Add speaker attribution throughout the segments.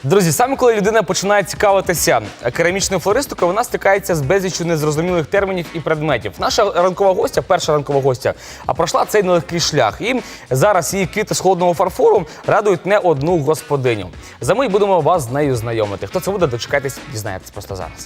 Speaker 1: Друзі, саме коли людина починає цікавитися керамічною флористикою, вона стикається з безліччю незрозумілих термінів і предметів. Наша ранкова гостя, перша ранкова гостя, пройшла цей нелегкий шлях. І зараз її квіти з холодного фарфору радують не одну господиню. За мить будемо вас з нею знайомити. Хто це буде, дочекайтесь, дізнаєтесь просто зараз.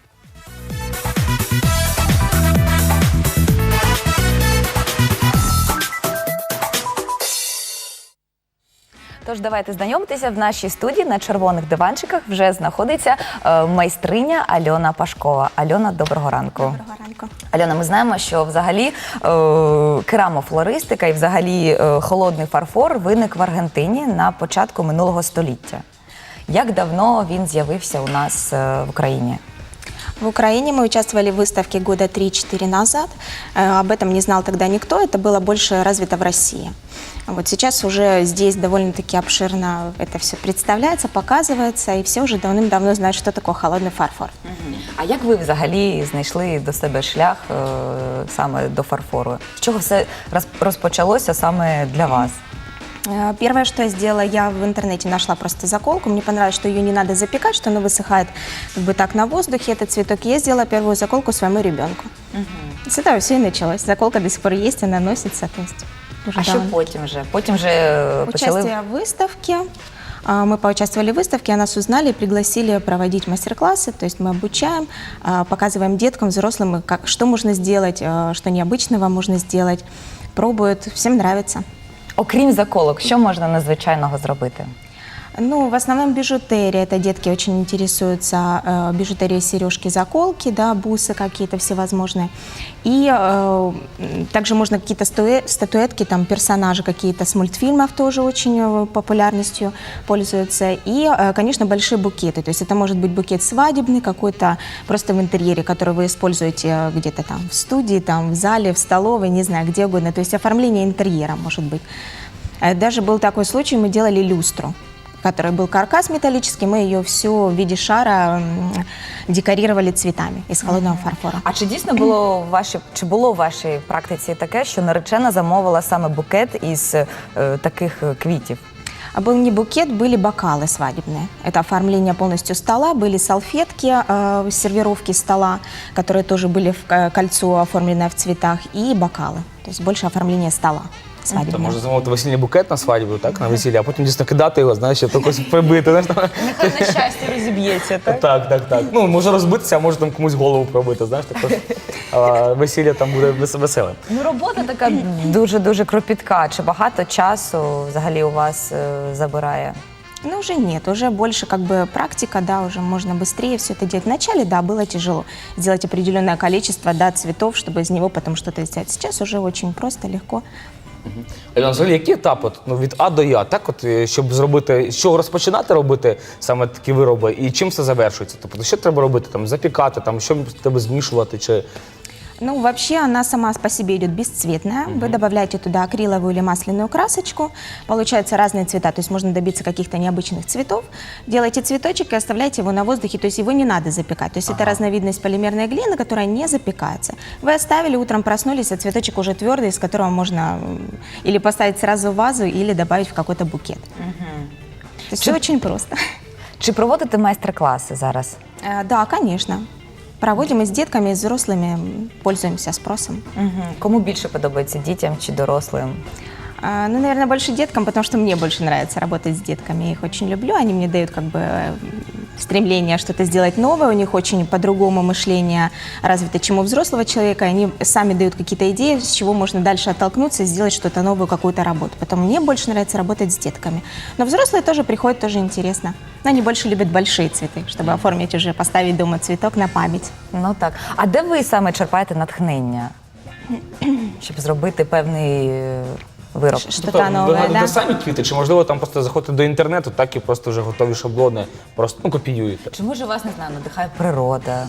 Speaker 2: Тож давайте знайомитися. В нашій студії на червоних диванчиках вже знаходиться майстриня Альона Пашкова. Альона, доброго ранку.
Speaker 3: Доброго ранку.
Speaker 2: Альона, ми знаємо, що взагалі керамофлористика і взагалі холодний фарфор виник в Аргентині на початку минулого століття. Як давно він з'явився у нас в Україні?
Speaker 3: В Украине мы участвовали в выставке года 3-4 назад. Об этом не знал тогда никто, это было больше развито в России. Вот сейчас уже здесь довольно-таки обширно это все представляется, показывается, и все уже давным-давно знают, что такое холодный фарфор.
Speaker 2: А як ви взагалі знайшли до себе шлях саме до фарфору? З чого все розпочалося саме для вас?
Speaker 3: Первое, что я сделала, я в интернете нашла просто заколку. Мне понравилось, что ее не надо запекать, что она высыхает как бы так на воздухе, этот цветок. И я сделала первую заколку своему ребенку. С этого все и началось. Заколка до сих пор есть, она носится. То есть уже
Speaker 2: А що
Speaker 3: давно.
Speaker 2: потім вже? Потім вже почали...
Speaker 3: Участие в выставке. Мы поучаствовали в выставке, нас узнали и пригласили проводить мастер-классы. То есть мы обучаем, показываем деткам, взрослым, что можно сделать, что необычного можно сделать. Пробуют, всем нравится.
Speaker 2: Окрім заколок, що можна незвичайного зробити?
Speaker 3: Ну, в основном бижутерия. Это детки очень интересуются бижутерией, сережки, заколки, да, бусы какие-то всевозможные. И также можно какие-то статуэтки, там, персонажи какие-то с мультфильмов тоже очень популярностью пользуются. И, конечно, большие букеты. То есть это может быть букет свадебный, какой-то просто в интерьере, который вы используете где-то там в студии, там, в зале, в столовой, не знаю, где угодно. То есть оформление интерьера может быть. Даже был такой случай, мы делали люстру, который был каркас металлический, мы ее всю в виде шара декорировали цветами из холодного фарфора.
Speaker 2: А чи дійсно було в вашій практиці таке, що наречена замовила саме букет із таких квітів?
Speaker 3: А был не букет, были бокалы свадебные. Это оформление полностью стола, были салфетки, сервировки стола, которые тоже были в кольцо, оформленное в цветах, и бокалы. То есть больше оформление стола.
Speaker 1: То можна замовити весільний букет на свадьбу, так, на весілля, а потім дійсно кидати його, знаєш, щоб якось прибити.
Speaker 2: Нехай на щастя розіб'ється, так?
Speaker 1: Так. Ну, може розбитися, а може там комусь голову пробити, знаєш, також весілля там буде веселим.
Speaker 2: Ну, робота така дуже-дуже кропітка. Чи багато часу взагалі у вас забирає?
Speaker 3: Ну, уже нет, уже больше как бы практика, да, уже можно быстрее все это делать. Вначале, да, было тяжело сделать определенное количество, да, цветов, чтобы из него потом что-то сделать. Сейчас уже очень просто, легко.
Speaker 1: Альона, взагалі, які етапи від А до Я, так, щоб зробити, з чого розпочинати робити саме такі вироби і чим це завершується? Тобто, що треба робити, там, запікати, там, що треба змішувати, чи...
Speaker 3: Ну, вообще она сама по себе идет бесцветная. Вы добавляете туда акриловую или масляную красочку. Получаются разные цвета, то есть можно добиться каких-то необычных цветов. Делаете цветочек и оставляете его на воздухе, то есть его не надо запекать. То есть это разновидность полимерной глины, которая не запекается. Вы оставили, утром проснулись, а цветочек уже твердый, из которого можно или поставить сразу в вазу, или добавить в какой-то букет. То есть все очень просто.
Speaker 2: Чи проводите майстер-класи зараз?
Speaker 3: Да, конечно. Проводим и с детками, и с взрослыми, пользуемся спросом.
Speaker 2: Кому більше подобається, дітям чи дорослим?
Speaker 3: Ну, наверное, больше деткам, потому что мне больше нравится работать с детками. Я их очень люблю, они мне дают как бы стремление что-то сделать новое, у них очень по-другому мышление развито, чем у взрослого человека. Они сами дают какие-то идеи, с чего можно дальше оттолкнуться и сделать что-то новую, какую-то работу. Поэтому мне больше нравится работать с детками. Но взрослые тоже приходят, тоже интересно. Но они больше любят большие цветы, чтобы оформить уже, поставить дома цветок на память.
Speaker 2: Ну так. А де ви саме черпаєте натхнення, щоб зробити певний вироб?
Speaker 3: Что-то новое,
Speaker 1: ви гадаєте
Speaker 3: да?
Speaker 1: самі квіти, чи можливо там просто заходите до інтернету, так і просто вже готові шаблони, просто копіюєте?
Speaker 2: Чи може вас, не знаю, надихає природа?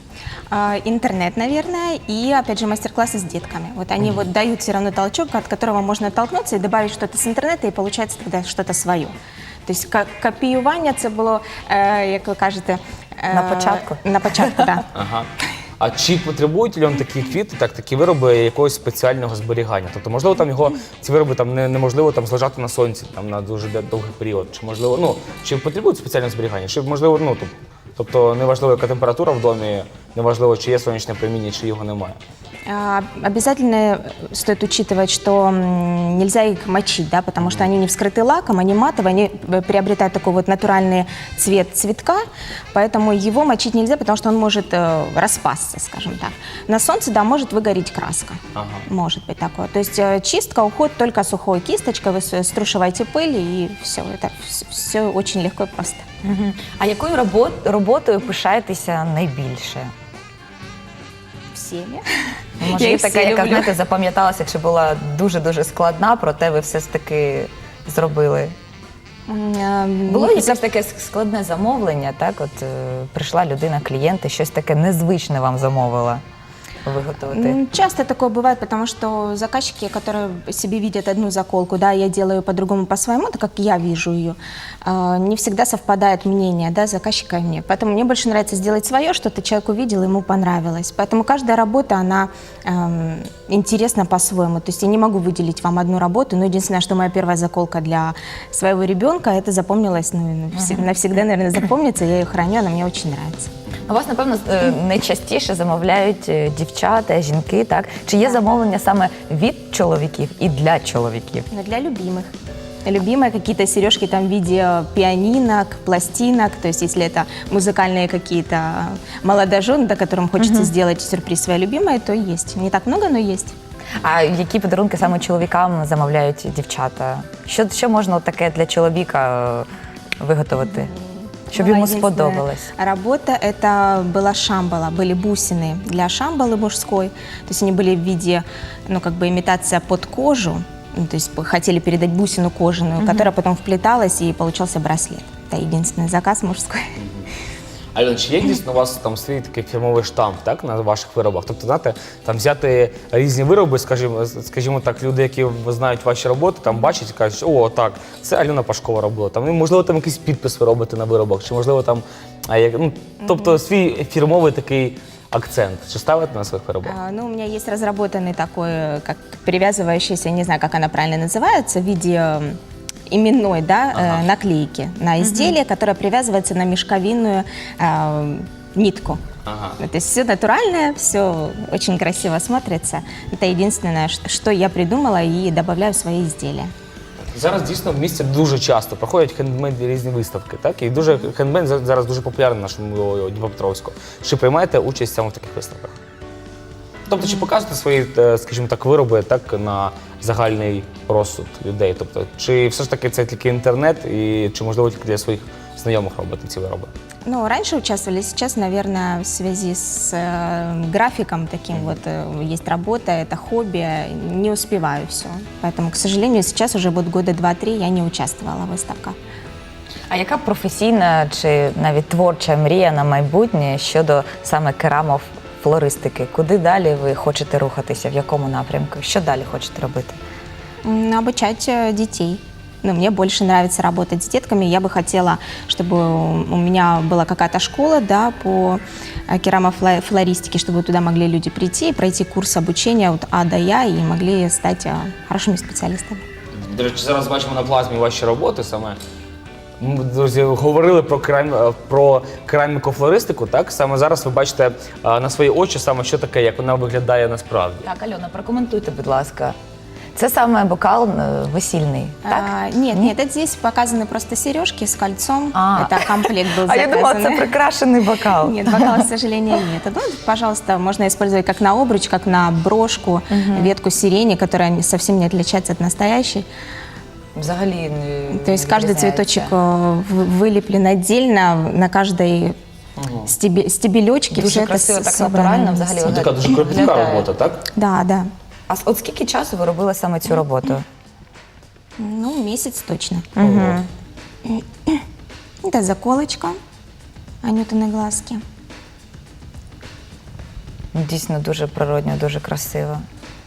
Speaker 3: Интернет, наверное, и, опять же, мастер-классы с детками. Вот они вот дают все равно толчок, от которого можно оттолкнуться и добавить что-то с интернета, и получается тогда что-то свое. То есть копіювання це було, як ви кажете...
Speaker 2: На початку?
Speaker 3: На початку, так.
Speaker 1: Ага. А чи потребують, Альон, такі квіти, такі вироби якогось спеціального зберігання? Тобто, можливо, там ці вироби там неможливо там злежати на сонці там на дуже довгий період, чи можливо, чи потребують спеціального зберігання, чи можливо, тобто неважливо, яка температура в домі, неважливо, чи є сонячне проміння, чи його немає.
Speaker 3: Обязательно стоит учитывать, что нельзя их мочить, да, потому что они не вскрыты лаком, они матовые, они приобретают такой вот натуральный цвет цветка, поэтому его мочить нельзя, потому что он может распасться, скажем так. На солнце, да, может выгореть краска, может быть такое. То есть чистка, уход только сухой кисточкой, вы струшиваете пыль и все, это все очень легко и просто.
Speaker 2: А якою роботою пишаєтеся найбільше?
Speaker 3: Всеми.
Speaker 2: Може,
Speaker 3: Я
Speaker 2: є
Speaker 3: їх
Speaker 2: така,
Speaker 3: всі
Speaker 2: яка,
Speaker 3: люблю.
Speaker 2: знаєте, запам'яталася, якщо була дуже-дуже складна, проте ви все ж таки зробили. Було якесь таке складне замовлення, так? От прийшла людина, клієнт, і щось таке незвичне вам замовила виготовити?
Speaker 3: Часто такое бывает, потому что заказчики, которые себе видят одну заколку, да, я делаю по-другому, по-своему, так как я вижу ее, не всегда совпадает мнение, да, заказчика и мне. Поэтому мне больше нравится сделать свое, что-то человек увидел, ему понравилось. Поэтому каждая работа, она интересна по-своему. То есть я не могу выделить вам одну работу, но единственное, что моя первая заколка для своего ребенка, это запомнилось, навсегда, наверное, запомнится, я ее храню, она мне очень нравится.
Speaker 2: У вас, напевно, найчастіше замовляють дівчата, жінки, так? Чи є замовлення саме від чоловіків і для чоловіків?
Speaker 3: Но для любимых. Любимые какие-то сережки там в виде пианинок, пластинок, то есть если это музыкальные какие-то молодожены, да, которым хочется сделать сюрприз своей любимой, то есть. Не так много, но есть.
Speaker 2: А які подарунки саме чоловікам замовляють дівчата? Що можна таке для чоловіка виготовити, щоб йому
Speaker 3: Единственная
Speaker 2: сподобалось?
Speaker 3: работа это была шамбала, были бусины для шамбалы мужской, то есть они были в виде, как бы имитация под кожу, то есть хотели передать бусину кожаную, которая потом вплеталась и получался браслет. Это единственный заказ мужской.
Speaker 1: Альон, чи є дійсно у вас там свій такий фірмовий штамп, так, на ваших виробах? Тобто, знаєте, там взяти різні вироби, скажімо так, люди, які знають ваші роботи, там бачать і кажуть, о, так, це Альона Пашкова робила. Там, можливо, там якийсь підпис ви робите на виробах, чи можливо там, тобто свій фірмовий такий акцент. Чи ставите на своїх виробах?
Speaker 3: У меня есть разработанный такой, как привязывающийся, не знаю, как она правильно называется, в виде именной, да, наклейки на изделие, которое привязывается на мешковинную нитку. То есть все натуральное, все очень красиво смотрится. Это единственное, что я придумала и добавляю в свои изделия.
Speaker 1: Зараз дійсно в місті дуже часто проходять хендмейд різні виставки, так? І хендмейд зараз дуже популярний в нашому Дніпропетровську. Чи приймаєте участь саме в таких виставках? Тобто, чи показуєте свої, скажімо так, вироби так, на загальний розсуд людей? Тобто, чи все ж таки це тільки інтернет, і чи можливо тільки для своїх знайомих робити ці вироби?
Speaker 3: Раньше участвовали, сейчас, наверное, в связи с графиком таким вот, есть работа, это хобби, не успеваю все. Поэтому, к сожалению, сейчас уже вот года 2-3 я не участвовала в выставках.
Speaker 2: А яка професійна чи навіть творча мрія на майбутнє щодо саме керамофлористики? Куди далі ви хочете рухатися, в якому напрямку? Що далі хочете робити?
Speaker 3: Обучать детей. Мне больше нравится работать с детками. Я бы хотела, чтобы у меня была какая-то школа, да, по керамофлористике, чтобы туда могли люди прийти и пройти курс обучения от А до Я и могли стать хорошими специалистами.
Speaker 1: До речі, зараз бачимо на плазмі ваші роботи саме. Ми, друзі, говорили про кераміку-флористику, так? Саме зараз ви бачите на свої очі, саме що таке, як вона виглядає насправді.
Speaker 2: Так, Альона, прокоментуйте, будь ласка. Це саме бокал весільний, так?
Speaker 3: Нет, это здесь показаны просто сережки с кольцом. Это комплект был
Speaker 2: А
Speaker 3: заказан.
Speaker 2: я думала, це прикрашений бокал.
Speaker 3: Нет, бокала, к сожалению, нет. Пожалуйста, можно использовать как на обруч, как на брошку, ветку сирени, которая совсем не отличается от настоящей.
Speaker 2: Взагалі
Speaker 3: То есть каждый цветочек вылеплен отдельно, на каждой стебелечке.
Speaker 2: Дуже красиво, так натурально взагалі.
Speaker 1: Це така дуже кропітка робота, так?
Speaker 3: Да, да.
Speaker 2: А от скільки часу ви робили саме цю роботу?
Speaker 3: Месяц точно. Это заколочка, Анютины глазки.
Speaker 2: Дійсно дуже природньо, дуже красиво.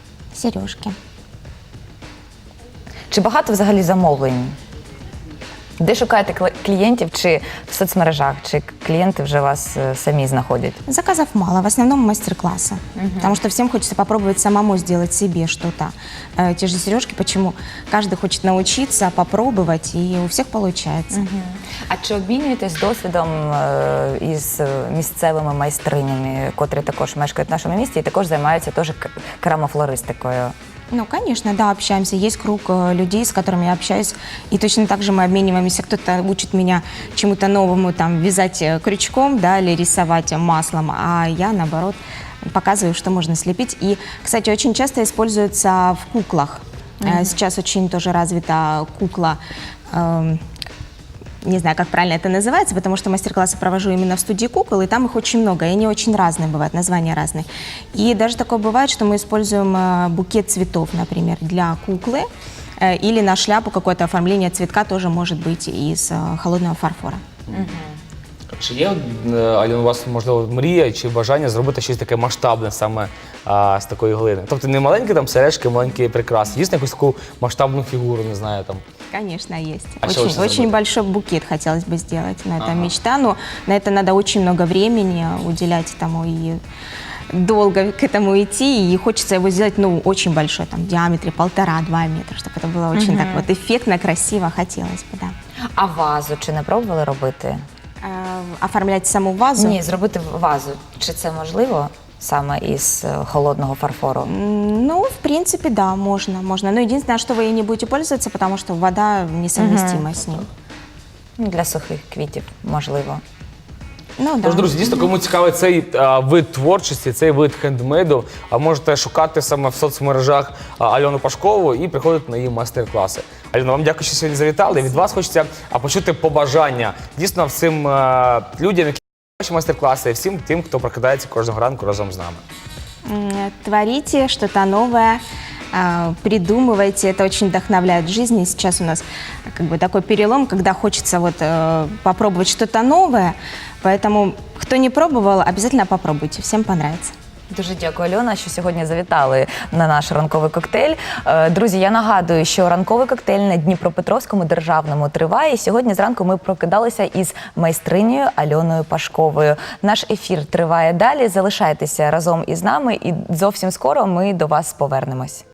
Speaker 3: Сережки.
Speaker 2: Чи багато взагалі замовлень? Де шукаєте клієнтів, чи в соцмережах, чи клієнти вже вас самі знаходять?
Speaker 3: Заказов мало, в основном мастер-классы. Потому что всем хочется попробовать самому сделать себе что-то. Те же сережки, почему? Каждый хочет научиться, попробовать, и у всех получается.
Speaker 2: А чи обмінюєтесь досвідом із місцевими майстринями, котрі також мешкають в нашому місті і також займаються теж керамофлористикою?
Speaker 3: Ну, конечно, да, общаемся. Есть круг людей, с которыми я общаюсь, и точно так же мы обмениваемся. Кто-то учит меня чему-то новому, там, вязать крючком, да, или рисовать маслом, а я, наоборот, показываю, что можно слепить. И, кстати, очень часто используется в куклах. Сейчас очень тоже развита кукла, не знаю, как правильно это называется, потому что мастер-классы провожу именно в студии кукол, и там их очень много, и они очень разные бывают, названия разные. И даже такое бывает, что мы используем букет цветов, например, для куклы, или на шляпу какое-то оформление цветка тоже может быть из холодного фарфора.
Speaker 1: Чи є, Альона, у вас, можливо, мрія чи бажання зробити щось таке масштабне саме з такої глини? Тобто не маленькі там сережки, маленькі прикраси, дійсно якусь таку масштабну фігуру, не знаю, там.
Speaker 3: Конечно, есть.
Speaker 1: А что
Speaker 3: Очень,
Speaker 1: лучше
Speaker 3: очень
Speaker 1: забыть?
Speaker 3: большой букет хотелось бы сделать, но это мечта, но на это надо очень много времени уделять этому и долго к этому идти, и хочется его сделать, ну, очень большой, там, в диаметре 1,5-2 метра, чтобы это было очень так вот эффектно, красиво, хотелось бы, да.
Speaker 2: А вазу чи не пробували робити?
Speaker 3: Оформлять саму вазу?
Speaker 2: Ні, зробити вазу. Чи це можливо саме із холодного фарфору?
Speaker 3: Ну, в принципе, да, можно. Но единственное, что вы ей не будете пользоваться, потому что вода несовместима с ним.
Speaker 2: Ну, для сухих квітів, можливо.
Speaker 3: Ну, да.
Speaker 1: Тож, друзі, дійсно, кому цікавий цей вид творчості, цей вид хендмейду, можете шукати саме в соцмережах Альону Пашкову і приходити на її майстер-класи. Альона, вам дякую, що сьогодні завітали. Від вас хочеться почути побажання дійсно всім людям, які ваші майстер-класи, і всім тим, хто прокидається кожного ранку разом з нами.
Speaker 3: Творите что-то новое, придумывайте, это очень вдохновляет в жизни. Сейчас у нас как бы такой перелом, когда хочется вот попробовать что-то новое, поэтому кто не пробовал, обязательно попробуйте, всем понравится.
Speaker 2: Дуже дякую, Альона, що сьогодні завітали на наш ранковий коктейль. Друзі, я нагадую, що ранковий коктейль на Дніпропетровському державному триває. І сьогодні зранку ми прокидалися із майстринею Альоною Пашковою. Наш ефір триває далі. Залишайтеся разом із нами і зовсім скоро ми до вас повернемось.